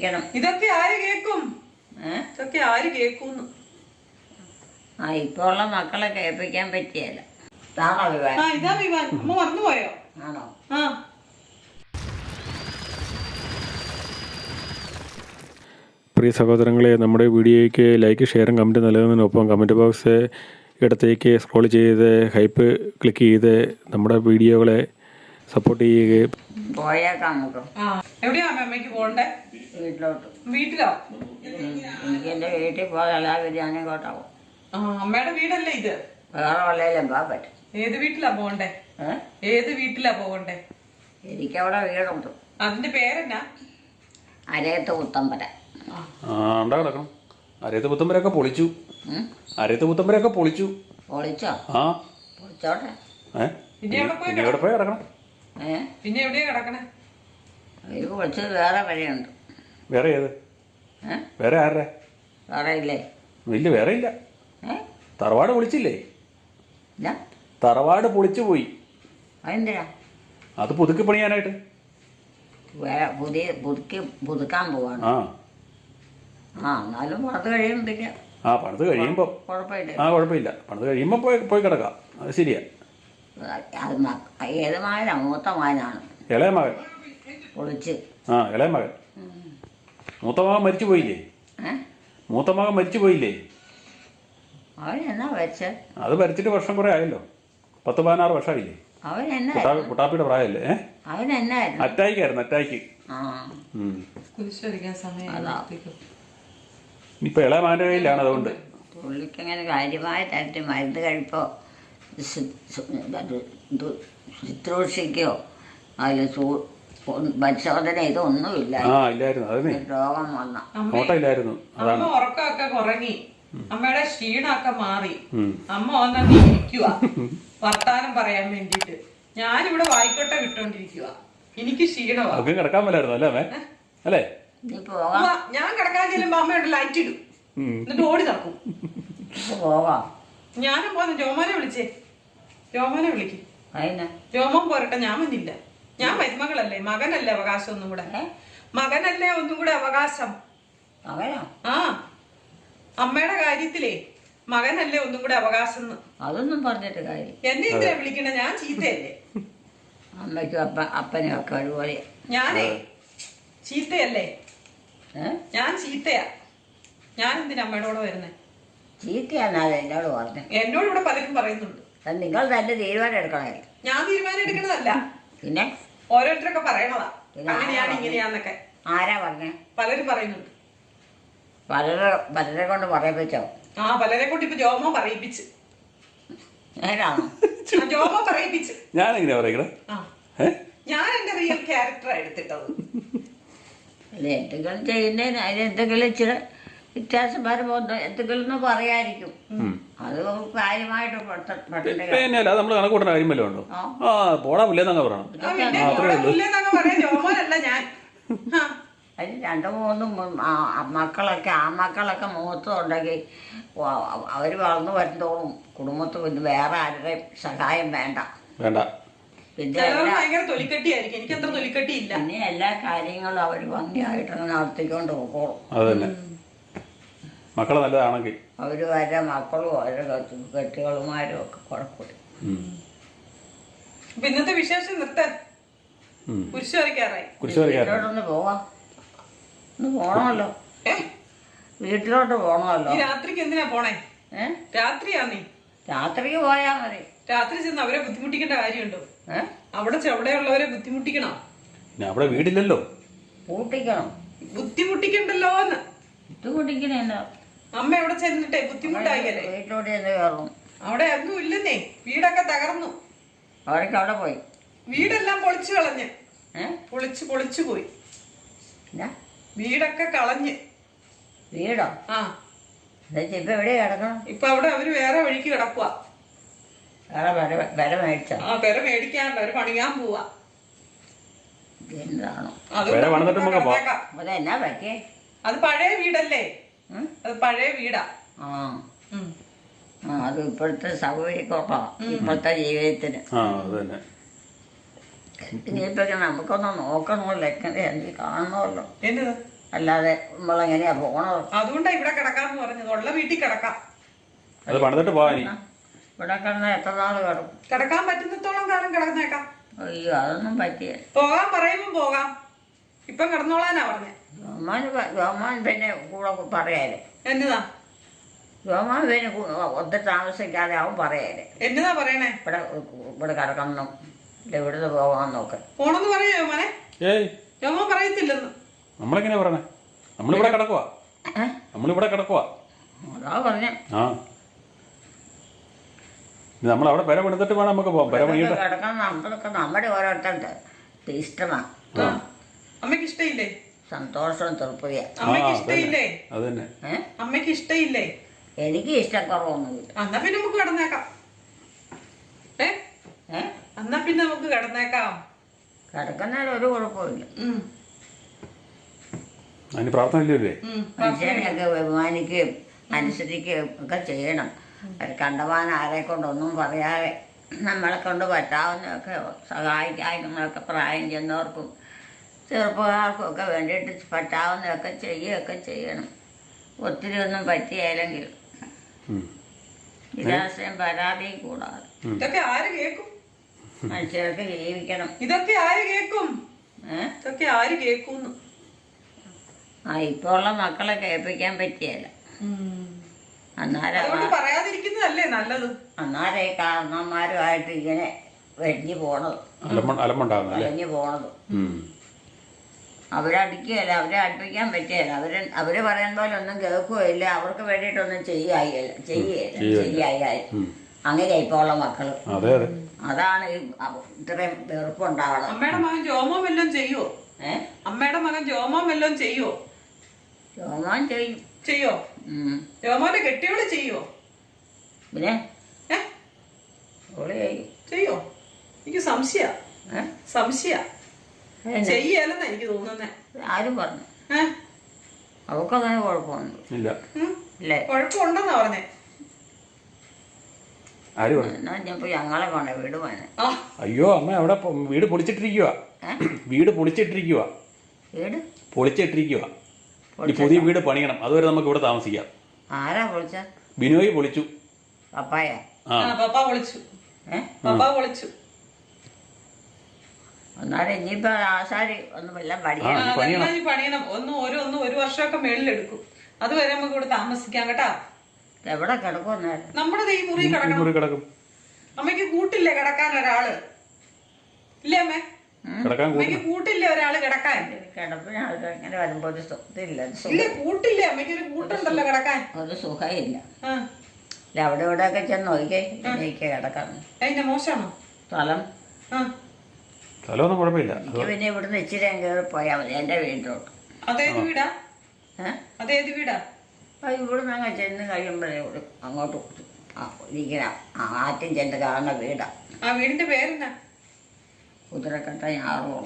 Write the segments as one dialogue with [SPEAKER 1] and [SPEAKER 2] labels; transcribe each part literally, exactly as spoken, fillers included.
[SPEAKER 1] കേൾപ്പിക്കണം.
[SPEAKER 2] ഇതൊക്കെ ആര് കേൾക്കും? ഇതൊക്കെ ആര് കേൾക്കുന്നു?
[SPEAKER 1] ആ ഇപ്പോൾ ഉള്ള മക്കളെ കേൾപ്പിക്കാൻ പറ്റിയല്ല. ഇതാണോ വിവാൻ?
[SPEAKER 2] ആ ഇതാ വിവാൻ. അമ്മ മറന്നുപോയോ?
[SPEAKER 1] ആണോ?
[SPEAKER 2] ആ
[SPEAKER 3] പ്രിയ സഹോദരങ്ങളെ, നമ്മുടെ വീഡിയോയ്ക്ക് ലൈക്ക്, ഷെയറും കമൻറ്റ് നൽകുന്നതിനൊപ്പം കമൻറ്റ് ബോക്സ് ഇടത്തേക്ക് സ്ക്രോൾ ചെയ്ത് ഹൈപ്പ് ക്ലിക്ക് ചെയ്ത് നമ്മുടെ വീഡിയോകളെ സപ്പോർട്ട് ചെയ്യുകയും.
[SPEAKER 1] പോയേക്കാം നമുക്ക്.
[SPEAKER 2] ആ എവിടെയാ അമ്മയ്ക്ക് പോകണ്ടേ?
[SPEAKER 1] വീട്ടിലോട്ട്.
[SPEAKER 2] വീട്ടിലോ?
[SPEAKER 1] എനിക്ക് എൻ്റെ വീട്ടിൽ പോകാൻ എല്ലാവരും ഞാനിങ്ങോട്ടാവും.
[SPEAKER 2] ആ അമ്മയുടെ വീടല്ലേ ഇത്?
[SPEAKER 1] വേറെ വല്ലതിലും പോകാൻ പറ്റും.
[SPEAKER 2] ഏത് വീട്ടിലാ പോകണ്ടേ? ഏത് വീട്ടിലാ പോകണ്ടേ?
[SPEAKER 1] എനിക്കവിടെ വീടുണ്ട്.
[SPEAKER 2] അതിന്റെ പേരെന്നാ?
[SPEAKER 1] അരയത്ത് പുത്തമ്പര.
[SPEAKER 3] ആ ഉണ്ടാ കിടക്കണം. അരയത്ത് പുത്തമ്പരൊക്കെ പൊളിച്ചു. അരയത്ത് പുത്തമ്പരൊക്കെ പൊളിച്ചു.
[SPEAKER 1] പൊളിച്ചോ?
[SPEAKER 3] ആ
[SPEAKER 1] പൊളിച്ചോട്ടെ.
[SPEAKER 3] ഏ പിന്നെ എവിടെ പോയി കിടക്കണം?
[SPEAKER 1] ഏ
[SPEAKER 2] പിന്നെ എവിടെയാ കിടക്കണേ?
[SPEAKER 1] ഇത് പൊളിച്ചത് വേറെ വരെയുണ്ട്.
[SPEAKER 3] വേറെ ഏത്?
[SPEAKER 1] ഏ
[SPEAKER 3] വേറെ ആരുടെ?
[SPEAKER 1] വേറെ ഇല്ലേ?
[SPEAKER 3] ഇല്ല, വേറെ ഇല്ല.
[SPEAKER 1] ഏ
[SPEAKER 3] തറവാട് പൊളിച്ചില്ലേ?
[SPEAKER 1] ഇല്ല.
[SPEAKER 3] തറവാട് പൊളിച്ചു പോയി.
[SPEAKER 1] അതെന്തിനാ?
[SPEAKER 3] അത് പുതുക്കി പണിയാനായിട്ട്.
[SPEAKER 1] വേറെ പുതിയ പുതുക്കി പുതുക്കാൻ പോവാണ്.
[SPEAKER 3] ആ
[SPEAKER 1] ആ എന്നാലും പണിത് കഴിയുമ്പോഴേക്ക്.
[SPEAKER 3] ആ പണിത് കഴിയുമ്പോൾ
[SPEAKER 1] കുഴപ്പമില്ല.
[SPEAKER 3] ആ കുഴപ്പമില്ല. പണിത് കഴിയുമ്പോൾ പോയി പോയി കിടക്കാം. അത് ശരിയാ.
[SPEAKER 1] അത് ഏത് മകനാ? മൂത്ത മകനാണ്.
[SPEAKER 3] ഇളയ മകൻ
[SPEAKER 1] പൊളിച്ച്.
[SPEAKER 3] ആ ഇളയ മകൻ. മൂത്ത മകൻ മരിച്ചു പോയില്ലേ?
[SPEAKER 1] ഏ
[SPEAKER 3] മൂത്ത മകൻ മരിച്ചു പോയില്ലേ?
[SPEAKER 1] അവൻ എന്നാ വെച്ച്?
[SPEAKER 3] അത് മരിച്ചിട്ട് വർഷം കുറേ ആയല്ലോ. പത്ത് പതിനാറ് വർഷമായില്ലേ?
[SPEAKER 1] അവൻ എന്നാ
[SPEAKER 3] കുട്ടാപ്പിയുടെ പ്രായമല്ലേ? ഏ
[SPEAKER 1] അവൻ എന്നായിരുന്നു?
[SPEAKER 3] അറ്റായിക്കായിരുന്നു. അറ്റായിക്ക്.
[SPEAKER 1] ആ
[SPEAKER 2] കുരിശടിക്കാൻ സമയം.
[SPEAKER 3] ഇപ്പൊ ഇളയ മകന്റെ കയ്യിലാണ്. അതുകൊണ്ട്
[SPEAKER 1] പുള്ളിക്കങ്ങനെ കാര്യമായിട്ടായിട്ട് മരുന്ന് കഴിപ്പോ ശുശ്രൂഷിക്കോ അതിൽ പരിശോധന ഇതൊന്നുമില്ല.
[SPEAKER 3] ആ ഇല്ലായിരുന്നു. അതിന്
[SPEAKER 1] രോഗം വന്ന
[SPEAKER 3] നോട്ടം ഇല്ലായിരുന്നു.
[SPEAKER 2] അമ്മ ഉറക്കമൊക്കെ കുറങ്ങി. അമ്മയുടെ ക്ഷീണമൊക്കെ മാറി. അമ്മ വന്നു ഇരിക്കുക വർത്താനം പറയാൻ വേണ്ടിട്ട്. ഞാനിവിടെ വായിക്കോട്ടെ വിട്ടോണ്ടിരിക്കുക. എനിക്ക് ക്ഷീണമാ.
[SPEAKER 3] കിടക്കാൻ മേലായിരുന്നു അല്ലേ അല്ലേ?
[SPEAKER 2] ഞാൻ കിടക്കാൻ ചെല്ലുമ്പോ അമ്മയോട് ലൈറ്റ് ഇടും, എന്നിട്ട് ഓടി നടക്കും.
[SPEAKER 1] പോകാം.
[SPEAKER 2] ഞാനും പോന്നു. ജോമോനെ വിളിച്ചേ. ജോമോനെ വിളിക്കും. ജോമോൻ പോരട്ടെ. ഞാൻ വന്നില്ല. ഞാൻ മരുമകളല്ലേ, മകനല്ലേ അവകാശം ഒന്നും കൂടെ. മകനല്ലേ ഒന്നും കൂടെ അവകാശം. ആ അമ്മയുടെ കാര്യത്തിലേ മകനല്ലേ ഒന്നും കൂടെ അവകാശം.
[SPEAKER 1] അതൊന്നും പറഞ്ഞിട്ട് കാര്യം.
[SPEAKER 2] എന്നെ എന്തിനാ വിളിക്കണേ? ഞാൻ ചീത്തയല്ലേ?
[SPEAKER 1] അമ്മയ്ക്കും അപ്പ അപ്പനും ഒക്കെ ഒരുപോലെ.
[SPEAKER 2] ഞാനേ ചീത്തയല്ലേ? ഞാൻ ചീത്തയാ. ഞാൻ എന്തിനാ അമ്മയുടെ കൂടെ വരുന്നേ?
[SPEAKER 1] ചീത്തയാന്നാലും എന്നോട് പറഞ്ഞു.
[SPEAKER 2] എന്നോട് ഇവിടെ പലരും പറയുന്നുണ്ട്.
[SPEAKER 1] നിങ്ങൾ തന്നെ തീരുമാനം എടുക്കണേ.
[SPEAKER 2] ഞാൻ തീരുമാനം എടുക്കണതല്ല,
[SPEAKER 1] പിന്നെ
[SPEAKER 2] ഓരോരുത്തരൊക്കെ പറയണതാ. അങ്ങനെയാണ് ഇങ്ങനെയാന്നൊക്കെ.
[SPEAKER 1] ആരാ പറഞ്ഞേ?
[SPEAKER 2] പലരും പറയുന്നുണ്ട്.
[SPEAKER 1] പലരെ പലരെ കൊണ്ട് പറയിപ്പിച്ചോ?
[SPEAKER 2] ആ പലരെ കൊണ്ട് ഇപ്പൊ ജോമോ പറയിപ്പിച്ച്.
[SPEAKER 1] നേരാണോ?
[SPEAKER 2] ജോമോ പറയിപ്പിച്ച്.
[SPEAKER 3] ഞാനെങ്ങനെയാ പറയണേ?
[SPEAKER 2] ഞാൻ എന്റെ റിയൽ ക്യാരക്ടറാ എടുത്തിട്ടത്.
[SPEAKER 1] അല്ല എന്തെങ്കിലും ചെയ്യുന്നതിന് അതിന് എന്തെങ്കിലും ഇച്ചിരി വ്യത്യാസം വരുമ്പോ എന്തെങ്കിലും പറയായിരിക്കും. അത് കാര്യമായിട്ട്
[SPEAKER 3] നമ്മള് കണക്കൂട്ടുന്ന കാര്യമല്ലോ ഉണ്ടോ? ആ പോടാ പുല്ലേന്നങ്ങ് പറയണം.
[SPEAKER 2] ജോമോനല്ല ഞാൻ.
[SPEAKER 1] അതിന് രണ്ടു മൂന്നും മക്കളൊക്കെ ആ മക്കളൊക്കെ മുഖത്തും ഉണ്ടെങ്കിൽ അവര് വളർന്നു വരുന്നതോളും കുടുംബത്തിൽ പിന്നെ വേറെ ആരുടെയും സഹായം വേണ്ട
[SPEAKER 3] വേണ്ട
[SPEAKER 1] പിന്നെ പിന്നെ എല്ലാ കാര്യങ്ങളും അവര് ഭംഗിയായിട്ട് നടത്തിക്കൊണ്ട് പോകോളും.
[SPEAKER 3] അതന്നെ മക്കള് നല്ലതാണെങ്കിൽ
[SPEAKER 1] അവര് വരെ മക്കളും അവരുടെ കെട്ടികളുമാരും ഒക്കെ കുഴപ്പമില്ല.
[SPEAKER 2] ഇന്നത്തെ വിശേഷം നിർത്താൻ കുരിശ് വരയ്ക്കാറായി.
[SPEAKER 1] വീട്ടിലോട്ടൊന്ന് പോവാം. ഒന്ന് പോണമല്ലോ. വീട്ടിലോട്ട് പോണമല്ലോ.
[SPEAKER 2] രാത്രിക്ക് എന്തിനാ പോണേ? ഏ രാത്രിയാ? നീ
[SPEAKER 1] രാത്രിക്ക് പോയാ മതി.
[SPEAKER 2] രാത്രി ചെന്ന് അവരെ ബുദ്ധിമുട്ടിക്കേണ്ട കാര്യമുണ്ടോ? ഏഹ് അവിടെ ചെവിടെയുള്ളവരെ ബുദ്ധിമുട്ടിക്കണോ?
[SPEAKER 3] അവിടെ വീടില്ലല്ലോ.
[SPEAKER 1] പൂട്ടിക്കണം.
[SPEAKER 2] ബുദ്ധിമുട്ടിക്കണ്ടല്ലോ എന്ന്.
[SPEAKER 1] ബുദ്ധിമുട്ടിക്കണോ?
[SPEAKER 2] അമ്മ എവിടെ ചെന്നിട്ടേ ബുദ്ധിമുട്ടായില്ലേ?
[SPEAKER 1] വീട്ടിലോട്ട് ചെന്ന് കയറും.
[SPEAKER 2] അവിടെ ഒന്നും ഇല്ലെന്നേ. വീടൊക്കെ തകർന്നു.
[SPEAKER 1] അവരൊക്കെ അവിടെ പോയി.
[SPEAKER 2] വീടെല്ലാം പൊളിച്ചു കളഞ്ഞ്. ഏഹ് പൊളിച്ചു പൊളിച്ചു പോയി. വീടൊക്കെ കളഞ്ഞ്.
[SPEAKER 1] വീടോ? ആ ഇപ്പൊ എവിടെയാ കിടക്കണം?
[SPEAKER 2] ഇപ്പൊ അവിടെ അവര് വേറെ വഴിക്ക് കിടക്കുക.
[SPEAKER 1] വില മേടിച്ചോ?
[SPEAKER 2] ആ വില മേടിക്കാൻ അവര് പണിയാൻ പോവാ.
[SPEAKER 1] എന്താണോ
[SPEAKER 2] അതെന്നാ പറ്റിയേ? അത് പഴയ വീടല്ലേ? അത് പഴയ വീടാ.
[SPEAKER 1] ആ അത് ഇപ്പോഴത്തെ സൗകര്യക്കൊപ്പാ ഇപ്പോഴത്തെ ജീവിതത്തിന്. ഇനിയിപ്പോ നമുക്കൊന്ന് നോക്കണമല്ലോ, എങ്ങനെ എനിക്ക് കാണണമല്ലോ. അല്ലാതെ നമ്മളെങ്ങനെയാ പോണത്?
[SPEAKER 2] അതുകൊണ്ടാ ഇവിടെ കിടക്കാന്ന് പറഞ്ഞത്. ഉള്ള വീട്ടിൽ കിടക്കാം.
[SPEAKER 3] അത് പണിതിട്ട് പോവാ നീ.
[SPEAKER 1] ഇവിടെ കിടന്ന എത്ര നാൾ കിടക്കും?
[SPEAKER 2] കിടക്കാൻ പറ്റുന്നിടത്തോളം കാലം കിടന്നേക്കാം.
[SPEAKER 1] അയ്യോ, അതൊന്നും പറ്റിയ.
[SPEAKER 2] പോകാൻ പറയുമ്പോ പോകാം. ഇപ്പം കിടന്നോളാനാ പറഞ്ഞേ.
[SPEAKER 1] ജോമാൻ ജോമാൻ പിന്നെ കൂടെ പറയാലേ.
[SPEAKER 2] എന്നതാ
[SPEAKER 1] ജോമാൻ പിന്നെ ഒത്തിരി താമസിക്കാതെ അവൻ പറയാലേ.
[SPEAKER 2] എന്നതാ പറയണേ?
[SPEAKER 1] ഇവിടെ ഇവിടെ കിടക്കണം, ഇവിടെ ഇവിടുന്ന് പോകാമെന്നൊക്കെ.
[SPEAKER 2] പോണെന്ന് പറയോ മോനെ?
[SPEAKER 3] ഏയ്,
[SPEAKER 2] ജോമോൻ പറയത്തില്ലെന്ന്.
[SPEAKER 3] നമ്മളെങ്ങനെയാ പറഞ്ഞേ? നമ്മളിവിടെ കിടക്കുവാ, നമ്മളിവിടെ കിടക്കുവാ.
[SPEAKER 1] അതാ പറഞ്ഞ.
[SPEAKER 3] ആ, നമ്മളവിടെ പെര പണിതിട്ട് വേണം നമുക്ക് പോകാം. പെര പണിയിട്ട്
[SPEAKER 1] കിടക്കണം. നമ്മളൊക്കെ നമ്മുടെ ഓരോരുത്തരുടെ ഇഷ്ടമാണ്.
[SPEAKER 2] അമ്മയ്ക്ക് ഇഷ്ടയില്ലേ?
[SPEAKER 1] സന്തോഷവും തൃപ്തിയ.
[SPEAKER 2] അമ്മയ്ക്ക് ഇഷ്ടയില്ലേ?
[SPEAKER 3] അത് തന്നെ.
[SPEAKER 1] ഏഹ്
[SPEAKER 2] അമ്മയ്ക്ക് ഇഷ്ടയില്ലേ?
[SPEAKER 1] എനിക്ക് ഇഷ്ടക്കുറവൊന്നുമില്ല.
[SPEAKER 2] എന്നാ പിന്നെ നമുക്ക് കിടന്നേക്കാം. ഏ
[SPEAKER 1] ഏഹ്
[SPEAKER 2] എന്നാ പിന്നെ നമുക്ക് കിടന്നേക്കാം.
[SPEAKER 1] കിടക്കുന്നതിൽ ഒരു കുഴപ്പമില്ല.
[SPEAKER 2] ഉം.
[SPEAKER 3] അതിന് പ്രാർത്ഥന ഇല്ലേ?
[SPEAKER 2] ഉം.
[SPEAKER 1] മനുഷ്യനെയൊക്കെ ബഹുമാനിക്കുകയും അനുസരിക്കുകയും ഒക്കെ ചെയ്യണം. അത് കണ്ടവാൻ ആരെ കൊണ്ടൊന്നും പറയാതെ നമ്മളെ കൊണ്ട് പറ്റാവുന്നതൊക്കെ സഹായിക്കാനൊക്കെ പ്രായം ചെന്നവർക്കും ചെറുപ്പക്കാർക്കും ഒക്കെ വേണ്ടിയിട്ട് പറ്റാവുന്നതൊക്കെ ചെയ്യുകയൊക്കെ ചെയ്യണം. ഒത്തിരി ഒന്നും പറ്റിയാലെങ്കിൽ നിരാശയും പരാതിയും കൂടാതെ
[SPEAKER 2] ഇതൊക്കെ ആര് കേക്കും?
[SPEAKER 1] മനുഷ്യർക്ക് ജീവിക്കണം.
[SPEAKER 2] ഇതൊക്കെ ആര് കേക്കും?
[SPEAKER 1] ഏഹ്
[SPEAKER 2] ഇതൊക്കെ ആര് കേക്കൂന്ന്?
[SPEAKER 1] ആ ഇപ്പോൾ ഉള്ള മക്കളെ കേൾപ്പിക്കാൻ പറ്റിയല്ല. അന്നേരം
[SPEAKER 2] അതുകൊണ്ട് പറയാതിരിക്കുന്നതല്ലേ നല്ലത്.
[SPEAKER 1] അന്നേരം ഈ കാരണന്മാരുമായിട്ട് ഇങ്ങനെ വെടിഞ്ഞു പോണത്,
[SPEAKER 3] അലമ്പുണ്ടാകുന്നല്ലേ?
[SPEAKER 1] വെടിഞ്ഞു പോണത്. അവരടിക്കുകയല്ല, അവരെ അടുപ്പിക്കാൻ പറ്റിയല്ല. അവര് അവര് പറയുന്ന പോലെ ഒന്നും കേൾക്കുകയില്ല. അവർക്ക് വേണ്ടിയിട്ടൊന്നും ചെയ്യായില്ല ചെയ്യുകയില്ല ചെയ്യായി. അങ്ങനെ ഇപ്പോൾ ഉള്ള മക്കള്. അതാണ് ഈ ഇത്രയും വെറുപ്പുണ്ടാവണം.
[SPEAKER 2] അമ്മയുടെ മകൻ ജോമോ വല്ലതും ചെയ്യുവോ?
[SPEAKER 1] ഏഹ്
[SPEAKER 2] അമ്മയുടെ മകൻ ജോമോ വല്ലതും ചെയ്യുവോ?
[SPEAKER 1] ജോമാൻ ചെയ്യും.
[SPEAKER 2] ചെയ്യോ? ജോമോന്റെ കെട്ടിയോള് ചെയ്യോ?
[SPEAKER 1] പിന്നെ
[SPEAKER 2] ഏ
[SPEAKER 1] ഓള് ചെയ്യും.
[SPEAKER 2] ചെയ്യോ? എനിക്ക് സംശയ
[SPEAKER 1] ഏഹ്
[SPEAKER 2] സംശയ ചെയ്യല്ലെന്നാ എനിക്ക് തോന്നുന്നേ.
[SPEAKER 1] ആരും പറഞ്ഞു?
[SPEAKER 2] ഏഹ്
[SPEAKER 1] അവക്കങ്ങനെ കുഴപ്പമൊന്നും
[SPEAKER 3] ഇല്ല.
[SPEAKER 1] ഇല്ലേ?
[SPEAKER 2] കുഴപ്പമുണ്ടെന്നാ പറഞ്ഞേ.
[SPEAKER 1] എന്നാ ഞാൻ ഞങ്ങളെ കൊണ്ട വീട് പോനെ.
[SPEAKER 3] അയ്യോ അമ്മ, അവിടെ വീട് പൊളിച്ചിട്ടിരിക്കുക. വീട് പൊളിച്ചിട്ടിരിക്കുക
[SPEAKER 1] വീട്
[SPEAKER 3] പൊളിച്ചിട്ടിരിക്കുക ഈ പുതിയ വീട് പണിയണം. അതുവരെ നമുക്ക് ഇവിടെ താമസിക്കാം.
[SPEAKER 1] ആരാ പൊളിച്ച?
[SPEAKER 3] ബിനോയ് പൊളിച്ചു.
[SPEAKER 1] പപ്പായ?
[SPEAKER 2] ആ പപ്പ പൊളിച്ചു.
[SPEAKER 1] ഏഹ്
[SPEAKER 2] പപ്പ പൊളിച്ചു.
[SPEAKER 1] എന്നാലും ഇനിയിപ്പോ ആശാരി ഒന്നും എല്ലാം പണിയണം.
[SPEAKER 2] പണിയണം. ഒന്ന് ഒരു ഒന്ന് ഒരു വർഷമൊക്കെ മേളിലെടുക്കും. അതുവരെ നമുക്ക് ഇവിടെ താമസിക്കാം കേട്ടാ.
[SPEAKER 1] എവിടെ കിടക്കും?
[SPEAKER 2] നമ്മുടെ ഈ മുറി കിടക്കണം. അമ്മയ്ക്ക് കൂട്ടില്ലേ കിടക്കാൻ ഒരാള്? ഇല്ലേ അമ്മേ? അമ്മയ്ക്ക് കൂട്ടില്ലേ ഒരാള് കിടക്കാൻ?
[SPEAKER 1] കിടപ്പിന് ഇങ്ങനെ വരുമ്പോ ഒരു സുഖമില്ല.
[SPEAKER 2] ഇല്ലേ കൂട്ടില്ലേ? അമ്മയ്ക്ക് ഒരു കൂട്ടുണ്ടല്ലോ കിടക്കാൻ.
[SPEAKER 1] ഒരു സുഖമില്ല. അല്ല അവിടെ ഇവിടെ ഒക്കെ ചെന്ന് നോക്കിക്കേ എനിക്ക് കിടക്കാം.
[SPEAKER 2] അതിന്റെ മോശമാണോ
[SPEAKER 1] സ്ഥലം?
[SPEAKER 3] സ്ഥലമൊന്നും കുഴപ്പമില്ല.
[SPEAKER 1] എനിക്ക് പിന്നെ ഇവിടുന്ന് ഇച്ചിരി കയറി പോയാൽ മതി എന്റെ വീട്ടിലോട്ട്.
[SPEAKER 2] അതേത് വീടാ?
[SPEAKER 1] ഏഹ്
[SPEAKER 2] അതേത് വീടാ?
[SPEAKER 1] അത് ഇവിടുന്ന് അങ്ങ് ചെന്ന് കഴിയുമ്പോഴേ അങ്ങോട്ട് ഇരിക്കുന്ന ആറ്റും ചെന്ന് കാണുന്ന വീടാ.
[SPEAKER 2] ആ വീടിന്റെ പേരെന്നാ?
[SPEAKER 1] കുതിരക്കട്ട ഞാറുകോളം.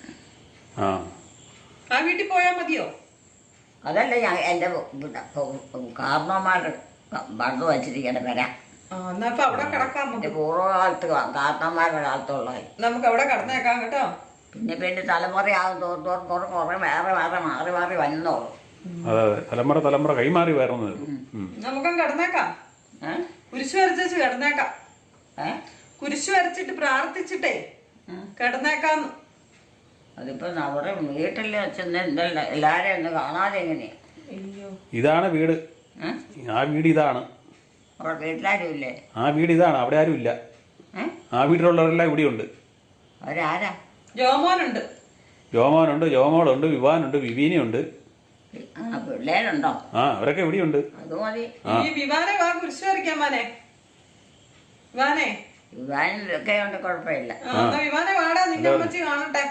[SPEAKER 2] ആ വീട്ടിൽ പോയാ മതിയോ?
[SPEAKER 1] അതല്ല ഞാൻ എൻ്റെ കാരണവന്മാർ പണ്ട് വച്ചിരിക്കണ വരാം.
[SPEAKER 2] അവിടെ കിടക്കാം.
[SPEAKER 1] എൻ്റെ പൂർവ്വകാലത്ത് കാരണവന്മാരുടെ കാലത്തുള്ള
[SPEAKER 2] നമുക്ക് അവിടെ കിടന്നേക്കാം കേട്ടോ.
[SPEAKER 1] പിന്നെ പിന്നെ തലമുറയാകും തോറും തോറും കുറെ കുറെ വേറെ വേറെ മാറി മാറി വന്നോളൂ.
[SPEAKER 3] അതെ അതെ, തലമുറ തലമുറ കൈമാറി വരുന്നത്.
[SPEAKER 2] നമുക്കും കിടന്നേക്കാം. കുരിശ് വരച്ചു കിടന്നേക്കാം. കുരിശ് വരച്ചിട്ട് പ്രാർത്ഥിച്ചിട്ടേ കിടന്നേക്കാന്ന്.
[SPEAKER 1] അതിപ്പോ അവിടെ വീട്ടിൽ ചെന്ന് എല്ലാരെയും ഒന്ന് കാണാതെ എങ്ങനെയാ?
[SPEAKER 3] ഇതാണ് വീട്. ആ വീട് ഇതാണ്.
[SPEAKER 1] അവിടെ വീട്ടിലാരും ഇല്ലേ?
[SPEAKER 3] ആ വീട് ഇതാണ്. അവിടെ ആരും ഇല്ല. ആ വീട്ടിലുള്ളവരെല്ലാം ഇവിടെയുണ്ട്.
[SPEAKER 1] അവരാരാ?
[SPEAKER 2] ജോമോനുണ്ട്,
[SPEAKER 3] ജോമോനുണ്ട്, ജോമോളുണ്ട്, വിവാനുണ്ട്, വിവീനയുണ്ട്.
[SPEAKER 1] പിള്ളേരുണ്ടോ?
[SPEAKER 3] ആ അവരൊക്കെ ഇവിടെയുണ്ട്.
[SPEAKER 1] അത് മതി.
[SPEAKER 2] വിവാനെ വാ കുരിശ് വരയ്ക്കാൻ. വാനെ വിവാനെ
[SPEAKER 1] വിവാനൊക്കെ ഉണ്ട്, കുഴപ്പമില്ല.
[SPEAKER 2] വിവാനെ വാടാ, നിന്റെ അമ്മച്ചി കാണട്ടെ.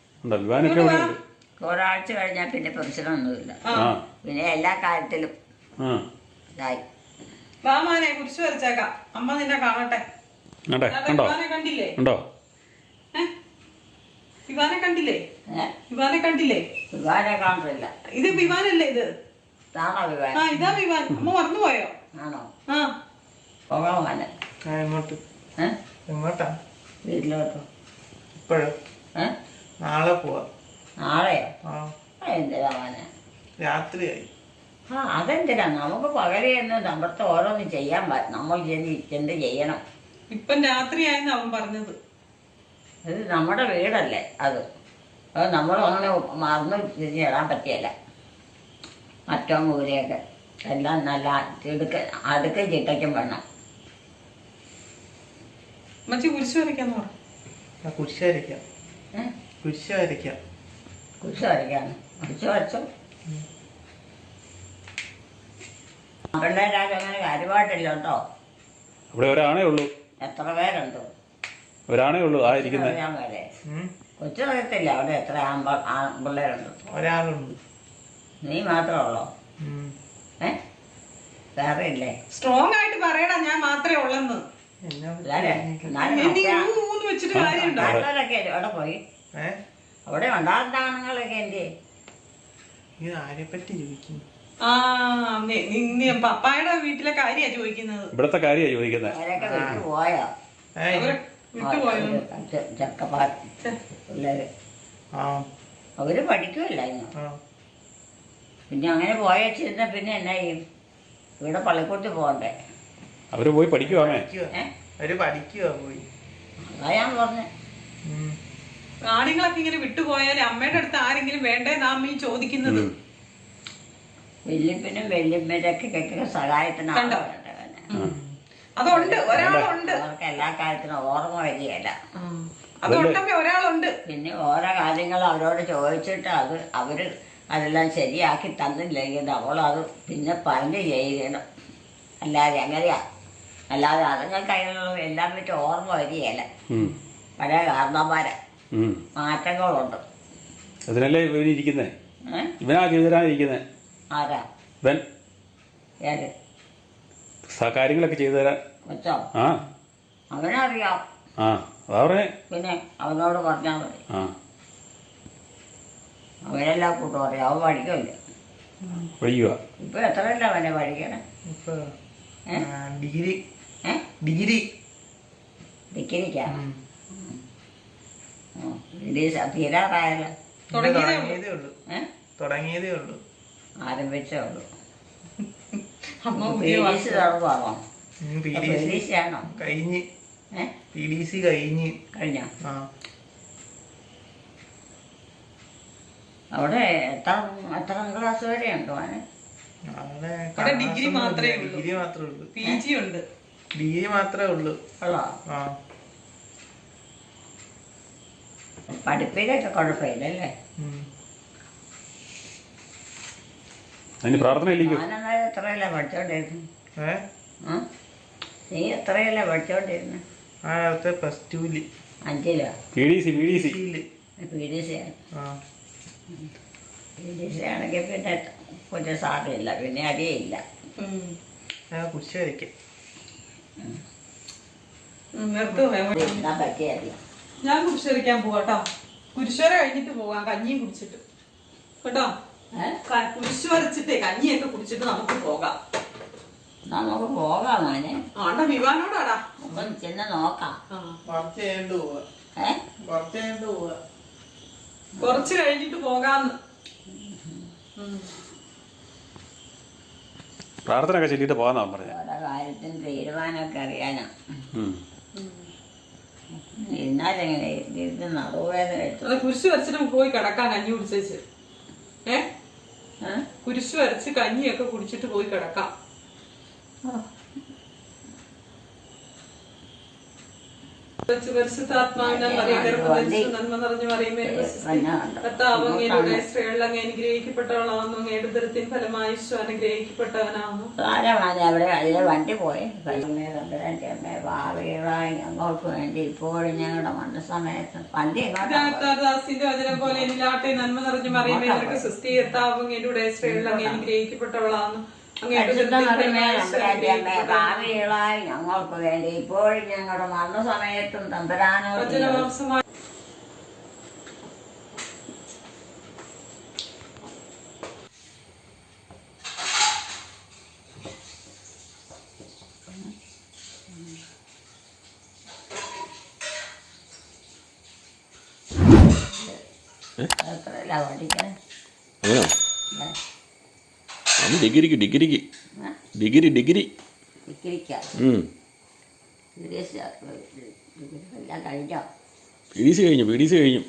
[SPEAKER 1] ഒരാഴ്ച കഴിഞ്ഞാൽ പിന്നെ പ്രശ്നമൊന്നുമില്ല. പിന്നെ എല്ലാ കാര്യത്തിലും ഇതായി.
[SPEAKER 2] വാ മാനെ കുരിശ് വരച്ചേക്കാം. അമ്മ നിന്നെ കാണട്ടെ. വിവാനെ കണ്ടില്ലേ? വിവാനെ കണ്ടില്ലേ? വിവാനെ കണ്ടില്ലേ?
[SPEAKER 1] വിവാനെ കാണില്ല.
[SPEAKER 2] ഇത് വിവാനല്ലേ? ഇത്
[SPEAKER 1] താണോ വിവാൻ?
[SPEAKER 2] ആ ഇതാ വിവാൻ. അമ്മ മറന്നുപോയോ?
[SPEAKER 1] ആണോ?
[SPEAKER 2] ആ
[SPEAKER 1] പോകാൻ
[SPEAKER 4] എങ്ങോട്ട്? എങ്ങോട്ടാ?
[SPEAKER 1] വീട്ടിലോട്ടോ.
[SPEAKER 4] ഇപ്പോഴും? നാളെ പോവാ.
[SPEAKER 1] നാളെയോ?
[SPEAKER 4] ആ
[SPEAKER 1] എന്തിനാ മോനെ?
[SPEAKER 4] രാത്രിയായി.
[SPEAKER 1] ആ അതെന്തിനാ നമുക്ക് പകലെന്ന് നമ്മുടെ ഓരോന്ന് ചെയ്യാൻ പ- നമ്മൾ ചെന്ന് ചെന്ന് ചെയ്യണം.
[SPEAKER 2] ഇപ്പം രാത്രിയായെന്ന് അവൻ പറഞ്ഞത്.
[SPEAKER 1] ഇത് നമ്മുടെ വീടല്ലേ അത്. അത് നമ്മൾ അങ്ങനെ മറന്ന് തിരിഞ്ഞ് ഇടാൻ പറ്റിയല്ല. മറ്റവും കൂരയൊക്കെ എല്ലാം നല്ല ചിടുക്ക അടുക്കും ചിട്ടയ്ക്കും വേണം.
[SPEAKER 2] മച്ചി കുരിശ് വരയ്ക്കാന്ന് പറഞ്ഞു.
[SPEAKER 4] ആ കുരിശ് വരയ്ക്കാം.
[SPEAKER 1] ഏഹ്
[SPEAKER 4] കുരിശ് വരയ്ക്കാം.
[SPEAKER 1] കുരിശ് വരയ്ക്കാണ്. കുരിശ് വരച്ചു. പിള്ളേരാരും അങ്ങനെ കാര്യമായിട്ടില്ല കേട്ടോ.
[SPEAKER 3] അവിടെ ഒരാണേ ഉള്ളൂ.
[SPEAKER 1] എത്ര പേരുണ്ട്?
[SPEAKER 3] ഒരാണേ ഉള്ളൂ ആ ഇരിക്കുന്നത്.
[SPEAKER 1] അറിയാൻ വരെ
[SPEAKER 4] ഉം.
[SPEAKER 1] കൊച്ചു അറിയത്തില്ല അവിടെ എത്ര ആമ്പ ആ പിള്ളേരുണ്ട്.
[SPEAKER 4] ഒരാളുണ്ട്.
[SPEAKER 1] നീ മാത്രമേ ഉള്ളോ?
[SPEAKER 4] ഉം.
[SPEAKER 1] ഏ വേറെ ഇല്ലേ?
[SPEAKER 2] സ്ട്രോങ് ആയിട്ട് പറയടാ ഞാൻ മാത്രമേ ഉള്ളെന്ന്.
[SPEAKER 4] എന്നാ
[SPEAKER 1] എല്ലാരെ എന്നാലും
[SPEAKER 2] എന്ത്
[SPEAKER 1] മറ്റേ
[SPEAKER 2] ഊ ഊന്ന് വെച്ചിട്ട് കാര്യമുണ്ടോ?
[SPEAKER 1] ആൾക്കാരൊക്കെ അവിടെ പോയി.
[SPEAKER 4] ഏ
[SPEAKER 1] അവിടെ ഉണ്ടാകുന്ന ആണുങ്ങളൊക്കെ എന്ത്?
[SPEAKER 4] ഇത് ആരെ പറ്റി ചോദിക്കുന്നു?
[SPEAKER 2] ആ നീ- നീ- നീ പപ്പായുടെ വീട്ടിലെ കാര്യാ ചോദിക്കുന്നത്.
[SPEAKER 3] ഇവിടുത്തെ കാര്യമാണ് ചോദിക്കുന്നത്.
[SPEAKER 1] അവരൊക്കെ വിട്ടു പോയോ?
[SPEAKER 4] ഏ
[SPEAKER 2] അവരെ വിട്ടുപോയോ?
[SPEAKER 1] ചെക്കപ്പാർ പിള്ളേര്
[SPEAKER 4] ആ
[SPEAKER 1] അവര് പഠിക്കുമല്ല ഇന്ന്.
[SPEAKER 4] ആ
[SPEAKER 1] പിന്നെ അങ്ങനെ പോയച്ചിരുന്ന പിന്നെ എന്നാ ചെയ്യും? ഇവിടെ പള്ളിക്കൂടത്തിൽ പോകണ്ടേ?
[SPEAKER 3] അവർ പോയി പഠിക്കുവാമേ.
[SPEAKER 4] പഠിക്കുവാ.
[SPEAKER 1] ഏ
[SPEAKER 4] അവര് പഠിക്കുവാ പോയി.
[SPEAKER 1] അതാ ഞാൻ പറഞ്ഞേ.
[SPEAKER 4] ഉം.
[SPEAKER 2] ആണുങ്ങളൊക്കെ ഇങ്ങനെ വിട്ടുപോയാൽ അമ്മയുടെ അടുത്ത് ആരെങ്കിലും വേണ്ടേന്നാ അമ്മ ഈ ചോദിക്കുന്നത്.
[SPEAKER 1] വല്യപ്പനും വല്യമ്മയൊക്കെ ഒക്കെ സഹായത്തിനാണ്
[SPEAKER 2] കണ്ടോ?
[SPEAKER 1] വേണ്ടത് തന്നെ.
[SPEAKER 2] അതുണ്ട്, ഒരാളുണ്ട്.
[SPEAKER 1] അവർക്ക് എല്ലാ കാര്യത്തിനും ഓർമ്മ വരികയല്ല.
[SPEAKER 2] അതുകൊണ്ടമ്മ ഒരാളുണ്ട്.
[SPEAKER 1] പിന്നെ ഓരോ കാര്യങ്ങൾ അവരോട് ചോദിച്ചിട്ട് അത് അവര് അതെല്ലാം ശരിയാക്കി തന്നില്ലെങ്കിൽ അവളത് പിന്നെ പറഞ്ഞ് ചെയ്യണം. അല്ലാതെ എങ്ങനെയാ? അല്ലാതെ അതുങ്ങൾക്ക് അതിനുള്ള എല്ലാം പറ്റി ഓർമ്മ വരികയല്ല. പഴയ കാരണന്മാരെ മാറ്റങ്ങളുണ്ട്.
[SPEAKER 3] അതിനല്ലേ ഇവൻ ഇരിക്കുന്നേ.
[SPEAKER 1] ഏഹ്
[SPEAKER 3] ഇവനാ ചെയ്തുതരാനിരിക്കുന്നേ.
[SPEAKER 1] ആരാ?
[SPEAKER 3] ഇവൻ
[SPEAKER 1] ഏത്
[SPEAKER 3] സ- കാര്യങ്ങളൊക്കെ ചെയ്തു തരാൻ.
[SPEAKER 1] കൊച്ചോ?
[SPEAKER 3] ആ
[SPEAKER 1] അവനറിയാം.
[SPEAKER 3] ആ അതാ പറഞ്ഞേ.
[SPEAKER 1] പിന്നെ അവനോട് പറഞ്ഞാൽ മതി.
[SPEAKER 3] ആ
[SPEAKER 1] അവനെല്ലാം കൂട്ടും അറിയാം. അവൻ പഠിക്കില്ല.
[SPEAKER 3] പഠിക്കുക.
[SPEAKER 1] ഇപ്പൊ എത്രയല്ല അവനെ പഠിക്കണേ?
[SPEAKER 4] ഇപ്പൊ
[SPEAKER 1] ഏ?
[SPEAKER 4] ആ, ഡിഗ്രി
[SPEAKER 1] ഏ
[SPEAKER 4] ഡിഗ്രി
[SPEAKER 1] ഡിഗ്രിക്കാ?
[SPEAKER 4] ഉം.
[SPEAKER 1] ഡിഗ്രി തീരാറായല്ലോ.
[SPEAKER 4] ഇത്
[SPEAKER 2] തുടങ്ങിയതേ ഉള്ളൂ.
[SPEAKER 4] തുടങ്ങിയതേ ഉള്ളൂ.
[SPEAKER 1] ഏഹ്
[SPEAKER 4] തുടങ്ങിയതേ ഉള്ളൂ.
[SPEAKER 1] ആരംഭിച്ചേ ഉള്ളൂ.
[SPEAKER 2] അമ്മ
[SPEAKER 1] പി
[SPEAKER 2] പുതിയ
[SPEAKER 1] ഡി സി തുടങ്ങുവാണോ?
[SPEAKER 4] P
[SPEAKER 1] P
[SPEAKER 4] D
[SPEAKER 1] D
[SPEAKER 4] C
[SPEAKER 1] C ആണോ?
[SPEAKER 4] കഴിഞ്ഞ്.
[SPEAKER 1] ഏഹ്
[SPEAKER 4] പി ഡി സി കഴിഞ്ഞ്.
[SPEAKER 1] കഴിഞ്ഞോ?
[SPEAKER 4] ആ
[SPEAKER 1] അവിടെ എത്ര എത്ര ക്ലാസ് വരെ ഉണ്ടോ അവന്?
[SPEAKER 4] അവിടെ
[SPEAKER 2] അവിടെ ഡിഗ്രി
[SPEAKER 4] ക്ലാസ്സൊന്നും
[SPEAKER 2] മാത്രമേ
[SPEAKER 4] ഇല്ല.
[SPEAKER 2] ഉള്ളൂ.
[SPEAKER 4] ഡിഗ്രി മാത്രമേ ഉള്ളൂ.
[SPEAKER 2] പി ജി ഉണ്ട്.
[SPEAKER 4] ഡിഗ്രി മാത്രമേ ഉള്ളൂ.
[SPEAKER 1] ഉള്ളോ?
[SPEAKER 4] ആ
[SPEAKER 1] പഠിപ്പിലൊക്കെ കുഴപ്പമില്ലല്ലേ?
[SPEAKER 4] ഉം.
[SPEAKER 3] അതിന് പ്രാർത്ഥന ഇല്ലിക്കും.
[SPEAKER 1] ഞാനെന്നാലും എത്രയല്ല പഠിച്ചോണ്ടിരുന്നു?
[SPEAKER 4] ഏ
[SPEAKER 1] ആ നീ എത്രയല്ല പഠിച്ചോണ്ടിരുന്നു?
[SPEAKER 4] ആ അടുത്ത പ്ലസ് ടുവില്.
[SPEAKER 1] അഞ്ചിലോ?
[SPEAKER 3] P D C P D C
[SPEAKER 4] സിയില്.
[SPEAKER 1] പി ഡി സി ആണ്.
[SPEAKER 4] ആ
[SPEAKER 1] പി ഡി സി ആണെങ്കിൽ പിന്നെ കുറ്റ സാധ്യമില്ല. പിന്നെ അടിയില്ല.
[SPEAKER 2] ഉം.
[SPEAKER 4] ആ കുരിശ് വരയ്ക്കാം.
[SPEAKER 2] ഉം, നിർത്ത് വേഗം.
[SPEAKER 1] എന്നാ പറ്റിയല്ല.
[SPEAKER 2] ഞാൻ കുരിശരിക്കാൻ പോവാട്ടോ. കുരിശോര കഴിഞ്ഞിട്ട് പോവാം, കഞ്ഞിയും കുടിച്ചിട്ട് കേട്ടോ.
[SPEAKER 1] ഏഹ്
[SPEAKER 2] ക- കുരിശ് വരച്ചിട്ടേ കഞ്ഞിയൊക്കെ കുടിച്ചിട്ട് നമുക്ക് പോകാം.
[SPEAKER 1] നമുക്ക് പോകാം മോനെ.
[SPEAKER 2] ആണ്ട വിവാനോടാടാ.
[SPEAKER 1] അപ്പം ചെന്ന് നോക്കാം.
[SPEAKER 2] ആ
[SPEAKER 4] കുറച്ച് കഴിഞ്ഞിട്ട് പോവാ.
[SPEAKER 1] ഏഹ്
[SPEAKER 4] കുറച്ച് കഴിഞ്ഞിട്ട് പോവാ.
[SPEAKER 2] കുറച്ച് കഴിഞ്ഞിട്ട് പോകാന്ന്. ഉം.
[SPEAKER 3] പ്രാർത്ഥന ഒക്കെ ചൊല്ലിയിട്ട് പോകാന്നാ പറഞ്ഞത്.
[SPEAKER 1] ഓരോ കാര്യത്തിന് തീരുമാനമൊക്കെ അറിയാനാ.
[SPEAKER 3] ഉം.
[SPEAKER 1] എന്നാലെങ്ങനെ ഇരുന്ന് നടുവേദന എടുത്തു.
[SPEAKER 2] അത് കുരിശ് വരച്ചിട്ട് നമുക്ക് പോയി കിടക്കാം, കഞ്ഞി കുടിച്ചേച്ച്. ഏ
[SPEAKER 1] ഏഹ്
[SPEAKER 2] കുരിശ് വരച്ച് കഞ്ഞിയൊക്കെ കുടിച്ചിട്ട് പോയി കിടക്കാം. പരിശുദ്ധാത്മാവിനാൽ നന്മ നിറഞ്ഞു പറയുമേ കർത്താവ് അങ്ങയുടെ സ്ത്രീകളിൽ അങ്ങ് അനുഗ്രഹിക്കപ്പെട്ടവളാവുന്നു. അങ്ങയുടെ ഉദരത്തിൻ ഫലമായി ഈശോ അനുഗ്രഹിക്കപ്പെട്ടവനാവുന്നു.
[SPEAKER 1] ആരാണ് അവിടെ അതിലെ വണ്ടി പോയി? അമ്മേ ഭാവികളായി ഞങ്ങൾക്ക് വേണ്ടി ഇപ്പോഴും ഞങ്ങളുടെ മരണസമയത്ത് വണ്ടി എങ്ങോട്ടാ?
[SPEAKER 2] ദാസിന്റെ വചനം പോലെ എന്നിലാട്ടെ നന്മ നിറഞ്ഞു പറയുമേ നിനക്ക് സുസ്ഥി. കർത്താവ് അങ്ങയുടെ സ്ത്രീകളിൽ അങ്ങ് അനുഗ്രഹിക്കപ്പെട്ടവളാവുന്നു.
[SPEAKER 1] ഭാവികളായി ഞങ്ങൾക്ക് വേണ്ടി ഇപ്പോഴും ഞങ്ങളുടെ മരണസമയത്തും തമ്പരാനോ
[SPEAKER 2] വചനമാംസമായി
[SPEAKER 1] എത്രയല്ല പഠിക്കാൻ?
[SPEAKER 3] ഡിഗ്രിക്ക് ഡിഗ്രിക്ക് ഡിഗ്രി ഡിഗ്രി
[SPEAKER 1] ഡിഗ്രിക്കാം എല്ലാം കഴിഞ്ഞോ?
[SPEAKER 3] പി ഡി സി കഴിഞ്ഞു പി ഡി സി കഴിഞ്ഞു.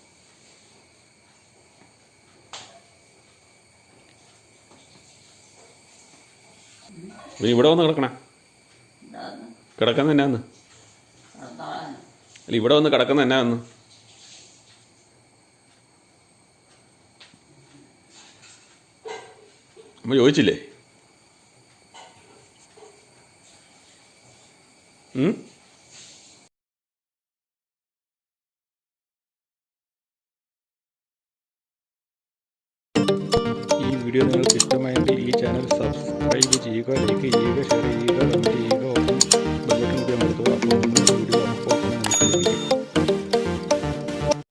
[SPEAKER 3] നീ ഇവിടെ വന്ന് കിടക്കണേ.
[SPEAKER 1] എന്താന്ന്
[SPEAKER 3] കിടക്കുന്ന എന്നാന്ന്?
[SPEAKER 1] കിടന്നോളാൻ
[SPEAKER 3] അല്ല ഇവിടെ വന്ന് കിടക്കുന്ന എന്നാന്ന്? അമ്മ ചോദിച്ചില്ലേ? ഉം? ഈ വീഡിയോ നിങ്ങൾക്ക് ഇഷ്ടമായെങ്കിൽ ഈ ചാനൽ സബ്സ്ക്രൈബ് ചെയ്യുക, ലൈക്ക് ചെയ്യുക, ഷെയർ ചെയ്യുക, കമൻറ്റ് ചെയ്യുക, ഒപ്പം ബെൽ ബട്ടൺ കൂടി അമർത്തുക.